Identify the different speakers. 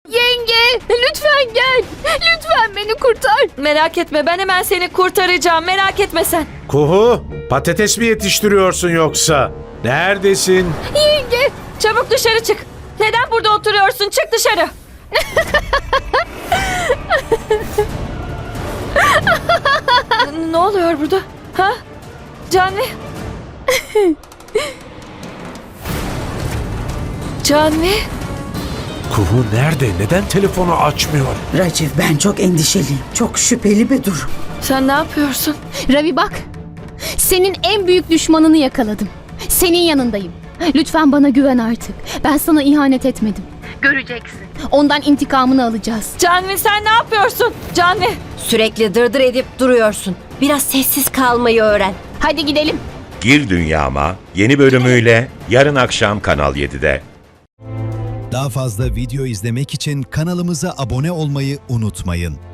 Speaker 1: Yenge, lütfen gel. Lütfen beni kurtar.
Speaker 2: Merak etme, ben hemen seni kurtaracağım. Merak etme sen.
Speaker 3: Kuhu, patates mi yetiştiriyorsun yoksa? Neredesin?
Speaker 2: Yenge, çabuk dışarı çık. Neden burada oturuyorsun? Çık dışarı. Ne oluyor burada? Ha? Canvi? Canvi?
Speaker 3: Kuhu nerede? Neden telefonu açmıyor?
Speaker 4: Raciv, ben çok endişeliyim. Çok şüpheli bir durum.
Speaker 2: Sen ne yapıyorsun?
Speaker 1: Ravi bak. Senin en büyük düşmanını yakaladım. Senin yanındayım. Lütfen bana güven artık. Ben sana ihanet etmedim. Göreceksin. Ondan intikamını alacağız.
Speaker 2: Canvi sen ne yapıyorsun? Canvi!
Speaker 5: Sürekli dırdır edip duruyorsun. Biraz sessiz kalmayı öğren.
Speaker 1: Hadi gidelim.
Speaker 6: Gir Dünyama yeni bölümüyle yarın akşam Kanal 7'de.
Speaker 7: Daha fazla video izlemek için kanalımıza abone olmayı unutmayın.